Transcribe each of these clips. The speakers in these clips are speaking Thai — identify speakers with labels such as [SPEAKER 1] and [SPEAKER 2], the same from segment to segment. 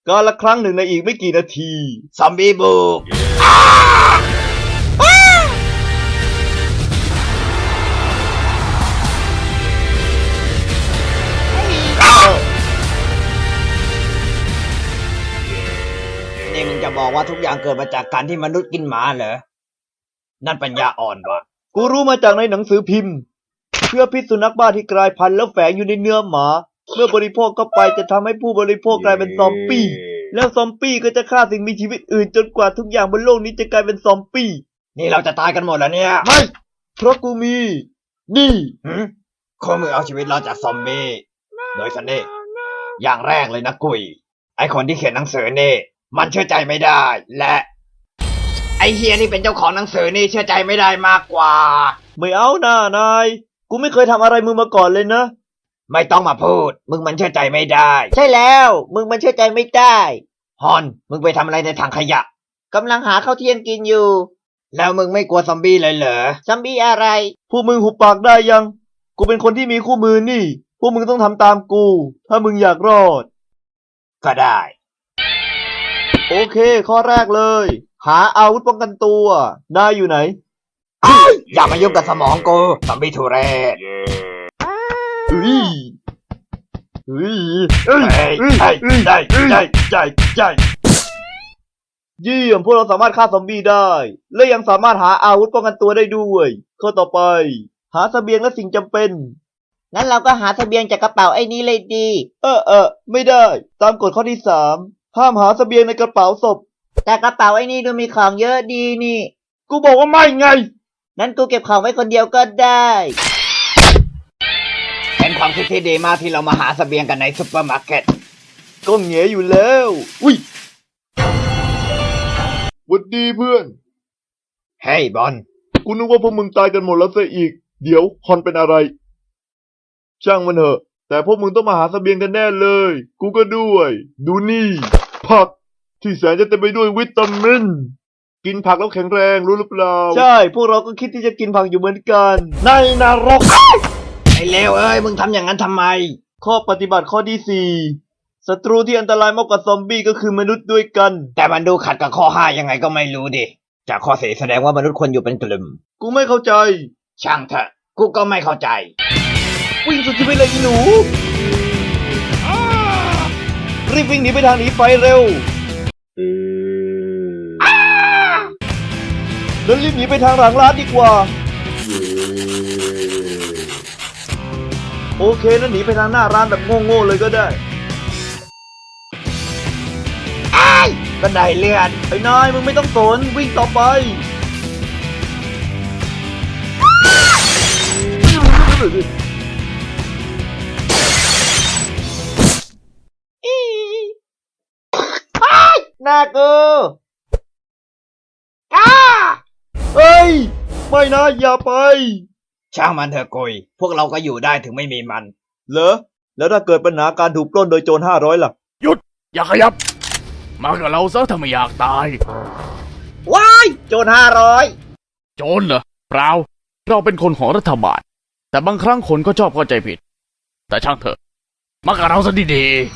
[SPEAKER 1] กาลครั้งหนึ่งในอีกไม่กี่นาที
[SPEAKER 2] ซอมบี้บุกนี่มึงจะบอกว่าทุกอย่างเกิดมาจากการที่มนุษย์กินหมาเหรอ นั่นปัญญาอ่อนวะ
[SPEAKER 1] กูรู้มาจากในหนังสือพิมพ์เพื่อพิษสุนัขบ้าที่กลายพันธุ์แล้วแฝงอยู่ในเนื้อหมา เมื่อบริโภคเข้าไปจะทำให้ผู้บริโภคกลายเป็นซอมบี้แล้วซอมบี้ก็จะฆ่าสิ่งมีชีวิตอื่นจนกว่าทุกอย่างบนโลกนี้จะกลายเป็นซอมบี้
[SPEAKER 2] นี่เราจะตายกันหมดแล้วเนี่ย
[SPEAKER 1] ไม่เพราะกูมี นี่
[SPEAKER 2] ข้อมือเอาชีวิตรอดจากซอมบี้โดยสันนี่อย่างแรกเลยนะกุยไอคนที่เขียนหนังสือนี่มันเชื่อใจไม่ได้ และไอเฮียที่เป็นเจ้าของหนังสือนี่เชื่อใจไม่ได้มากกว่า
[SPEAKER 1] ไม่เอาหน้านายกูไม่เคยทำอะไรมึงมาก่อนเลยนะ
[SPEAKER 2] ไม่ต้องมาพูดมึงมันเชื่อใจไม่ได้
[SPEAKER 1] ใช่แล้วมึงมันเชื่อใจไม่ได้
[SPEAKER 2] ฮอนมึงไปทำอะไรในถังขยะ
[SPEAKER 1] กำลังหาข้าวเที่ยงกินอยู่
[SPEAKER 2] แล้วมึงไม่กลัวซอมบี้เลยเหรอ
[SPEAKER 1] ซอมบี้อะไรพวกมึงหุบปากได้ยัง กูเป็นคนที่มีคู่มือนี่พวกมึงต้องทำตามกู ถ้ามึงอยากรอด
[SPEAKER 2] ก็ได้
[SPEAKER 1] โอเค ข้อแรกเลย หาอาวุธป้องกันตัวนายอยู่ไหน
[SPEAKER 2] อย่ามายุ่งกับสมองกูซอมบี้ทุเรศ
[SPEAKER 1] อุ้ยอุ้ย
[SPEAKER 2] เฮ้ยได้
[SPEAKER 1] เยี่ยมพวกเราสามารถฆ่าซอมบี้ได้ และยังสามารถหาอาวุธป้องกันตัวได้ด้วยข้อต่อไป หาเสบียงและสิ่งจำเป็นงั้นเราก็หาเสบียงจากกระเป๋าไอ้นี้เลยดีไม่ได้ ตามกฎข้อที่3ห้ามหาเสบียงในกระเป๋าศพแต่กระเป๋าไอ้นี่ดูมีของเยอะดีนี่กูบอกว่าไม่ไงนั้นกูเก็บของไว้คนเดียวก็ได้
[SPEAKER 2] เป็นความคิดที่ดีมากที่เรามาหาเสบียงกันในซุปเปอร์มาร์เก็ต
[SPEAKER 1] ก็เหงียอยู่แล้วอุ้ยหวัดดีเพื่อน
[SPEAKER 2] เฮ้ยบอล
[SPEAKER 1] กูนึกว่าพวกมึงตายกันหมดแล้วซะอีก เดี๋ยวฮอนเป็นอะไร ช่างมันเถอะ แต่พวกมึงต้องมาหาเสบียงกันแน่เลย กูก็ด้วย ดูนี่ ผักที่แสนจะเต็มไปด้วยวิตามิน กินผักแล้วแข็งแรงรู้หรือเปล่า ใช่ พวกเราก็คิดที่จะกินผักอยู่เหมือนกัน ในนรก
[SPEAKER 2] ไอ้เลวเอ้ยมึงทำอย่างนั้นทำไม
[SPEAKER 1] ข้อปฏิบัติข้อที่4ศัตรูที่อันตรายมากกว่าซอมบี้ก็คือมนุษย์ด้วยกัน
[SPEAKER 2] แต่มันดูขัดกับข้อ5ยังไงก็ไม่รู้ดิจากข้อ4แสดงว่ามนุษย์ควรอยู่เป็นกลุ่ม
[SPEAKER 1] กูไม่เข้าใจ
[SPEAKER 2] ช่างเถอะกูก็ไม่เข้าใจ
[SPEAKER 1] วิ่งสุดชีวิตเลยอีหนู รีบวิ่งหนีไปทางหนีไฟเร็วแล้วรีบหนีไปทางหลังร้านดีกว่า โอเคนั้นหนีไปทางหน้าร้านแบบโง่ๆเลยก็ได้
[SPEAKER 2] บันไดเลื่อน
[SPEAKER 1] ไอ้นายมึงไม่ต้องสนวิ่งต่อไป หน้ากูเฮ้ย ไม่นะอย่าไป
[SPEAKER 2] ช่างมันเถอะกุยพวกเราก็อยู่ได้ถึงไม่มีมัน
[SPEAKER 1] เหรอ แล้วถ้าเกิดปัญหาการถูกปล้นโดยโจร500ล่ะ
[SPEAKER 3] หยุดอย่าขยับ มากับเราซะถ้าไม่อยากตาย
[SPEAKER 1] ว้าย โจร500
[SPEAKER 3] โจรเหรอเปล่าเราเป็นคนของรัฐบาลแต่บางครั้งคนก็ชอบเข้าใจผิด แต่ช่างเถอะมากับเราซะดี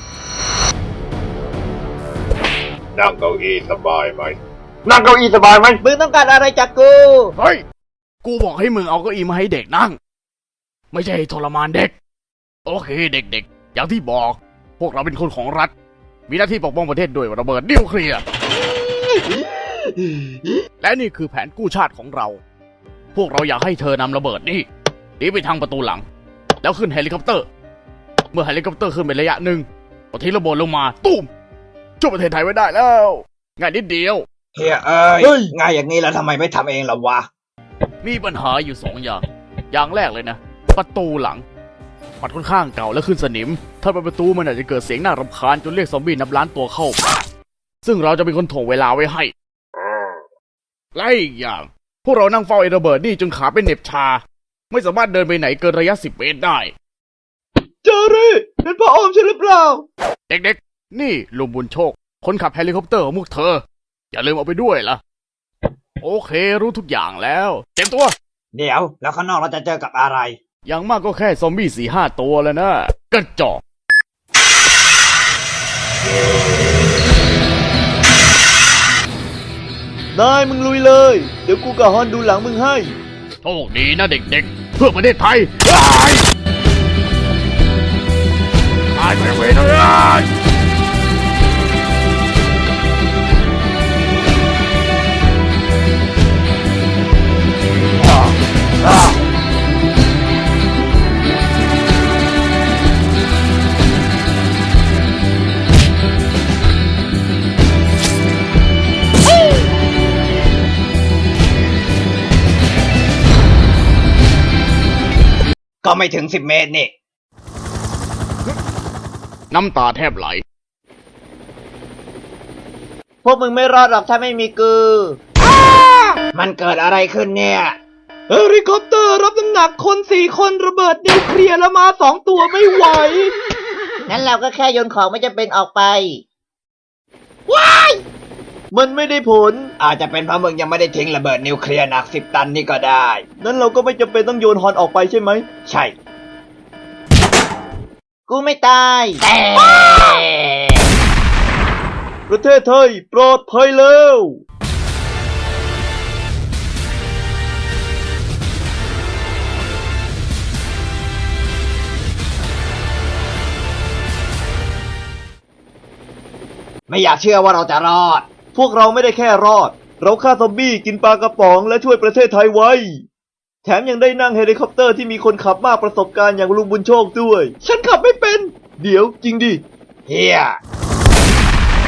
[SPEAKER 4] นั่งเก้าอี้สบายไหม
[SPEAKER 1] นั่งเก้าอี้สบายไหมมึงต้องการอะไรจากกู
[SPEAKER 3] ๆเฮ้ยกูบอกให้มึงเอาเก้าอี้มาให้เด็กนั่ง ไม่ใช่ให้ทรมานเด็ก โอเคเด็กๆอย่างที่บอก พวกเราเป็นคนของรัฐ มีหน้าที่ปกป้องประเทศด้วยระเบิดนิวเคลียร์และนี่คือแผนกู้ชาติของเรา พวกเราอยากให้เธอนำระเบิดนี่หนีไปทางประตูหลัง แล้วขึ้นเฮลิคอปเตอร์ เมื่อเฮลิคอปเตอร์ขึ้นไประยะหนึ่งก็ทิ้งระเบิดลงมาตุ้มช่วยประเทศไทยไว้ได้แล้วง่ายนิดเดียว
[SPEAKER 2] เฮียเอ้
[SPEAKER 1] เฮ้
[SPEAKER 2] ย
[SPEAKER 1] ย
[SPEAKER 2] ง่ายอย่างนี้แล้วทำไมไม่ทำเองล่ะวะ
[SPEAKER 3] มีปัญหาอยู่2 อย่าง อย่างแรกเลยนะ ประตูหลังมันค่อนข้างเก่าและขึ้นสนิม ถ้าเป็นประตูมันอาจจะเกิดเสียงน่ารำคาญจนเรียกซอมบี้นับล้านตัวเข้า ซึ่งเราจะเป็นคนถ่วงเวลาไว้ให้ และอีกอย่าง พวกเรานั่งเฝ้าไอ้ระเบิดนี่จนขาเป็นเหน็บชา ไม่สามารถเดินไปไหนเกินระยะ10 เมตรได้
[SPEAKER 1] เจอรี่เป็นพ่ออมใช่หรือเปล่า
[SPEAKER 3] เด็กๆ นี่ลุงบุญโชค คนขับเฮลิคอปเตอร์ของพวกเธอ อย่าลืมเอาไปด้วยล่ะ โอเครู้ทุกอย่างแล้วเต็มตัว
[SPEAKER 2] เดี๋ยวแล้วข้างนอกเราจะเจอกับอะไร
[SPEAKER 3] อย่างมากก็แค่ซอมบี้4-5 ตัวแล้วนะกระจอก
[SPEAKER 1] นายมึงลุยเลย เดี๋ยวกูกับฮอนดูหลังมึงให้
[SPEAKER 3] โชคดีนะเด็กๆ เพื่อประเทศไทยตายไปเว้ยเลย
[SPEAKER 2] ก็ไม่ถึง10 เมตรนี่
[SPEAKER 3] น้ำตาแทบไหล
[SPEAKER 1] พวกมึงไม่รอดหรอกถ้าไม่มีกู
[SPEAKER 2] มันเกิดอะไรขึ้นเนี่ย
[SPEAKER 1] เฮลิคอปเตอร์รับน้ำหนักคน4 คนระเบิดนิวเคลียร์แล้วมา2 ตัวไม่ไหว งั้นเราก็แค่โยนของไม่จำเป็นออกไป ว้าย มันไม่ได้ผล
[SPEAKER 2] อาจจะเป็นเพราะมึงยังไม่ได้ทิ้งระเบิดนิวเคลียร์หนัก10 ตันนี่ก็ได้
[SPEAKER 1] นั้นเราก็ไม่จำเป็นต้องโยนฮอนออกไปใช่ไหม
[SPEAKER 2] ใช่
[SPEAKER 1] กูไม่ตาย ประเทศไทยปลอดภัยแล้ว
[SPEAKER 2] ไม่อยากเชื่อว่าเราจะรอด
[SPEAKER 1] พวกเราไม่ได้แค่รอด เราฆ่าซอมบี้กินปลากระป๋องและช่วยประเทศไทยไว้ แถมยังได้นั่งเฮลิคอปเตอร์ที่มีคนขับมากประสบการณ์อย่างลุงบุญโชคด้วย ฉันขับไม่เป็น เดี๋ยวจริงดิ
[SPEAKER 2] เฮีย